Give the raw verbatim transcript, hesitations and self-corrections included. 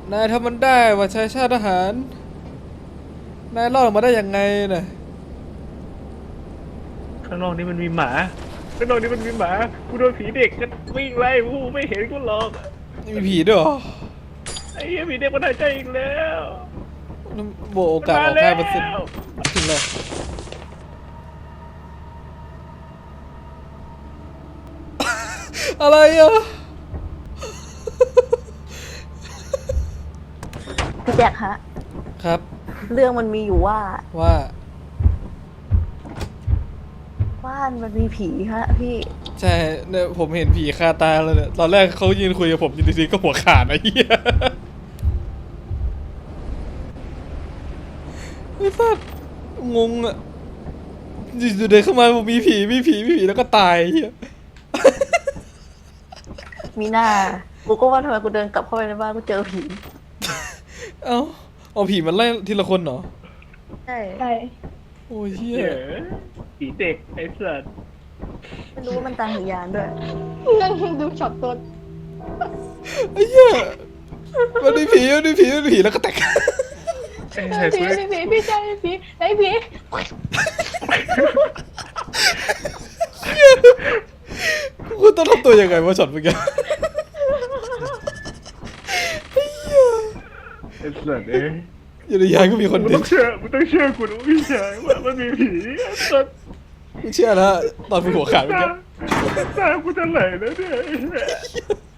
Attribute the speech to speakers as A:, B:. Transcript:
A: นายทำมันได้ว่าชายชาติทหารนายรอดออกมาได้ยังไงน่ะ
B: ข้างนอกนี้มันมีหมาข้างนอกนี้มันมีหมากูโดนผีเด็กกันวิ่งไล่กูไม่เห็นกูหรอก
A: มีผีด้วยเหรอ
B: ไอ้เหี้ยผีเด็กมันหายใจอีกแล้ว
A: โบโอกาสออกห้าเปอร์เซ็นต์ถึงเลยอะไรอ่ะ
C: พี่แจ็คฮะ
A: ครับ
C: เรื่องมันมีอยู่ว่า
A: ว่า
C: บ้านมันมีผีฮะพี่
A: ใช่เนี่ยผมเห็นผีคาตาเลยเนี่ยตอนแรกเขายืนคุยกับผมอยู่ดีๆก็หัวขาดไอ้เหี้ยไอ้สัสงงอ่ะอยู่ๆเดินเข้ามาผมมีผีมีผีมีผีแล้วก็ตายเหี้ย
C: มีหน้ากูก็ว่าทำไมกูเดินกลับเข้าไปในบ้านกูเจอผี
A: เอ้าเอาผีมันไล่ทีละคนเหรอ
C: ใช่
D: ใช่
A: โอ้ยเหี้ย
B: ผีเด็กไอ้สัส
C: ไม่รู้ว่ามันตายหรือยานด้วย
D: นั่งดูช็อตตัว
A: ไอ้เหี้ยมันมีผีมันมีผีมันมีผีแล้วก็แตก
D: ผีผีผีพี่ชายผีไอ้ผี
A: คุณต้องทำตัวยังไงวะช็อตเมื่อกี้
B: ไอ้สัสเอ้ย
A: อยู่ในยานก็มีคน
B: มึงต้องเชื่อมึงต้องเชื่อกูนะพี่ชายว่ามันมีผีไอ้สัส
A: ไม่เชื่อนะตอนมึงหัวขาดเมื่อกี้
B: ตากูจะไหลแล้วเนี่ย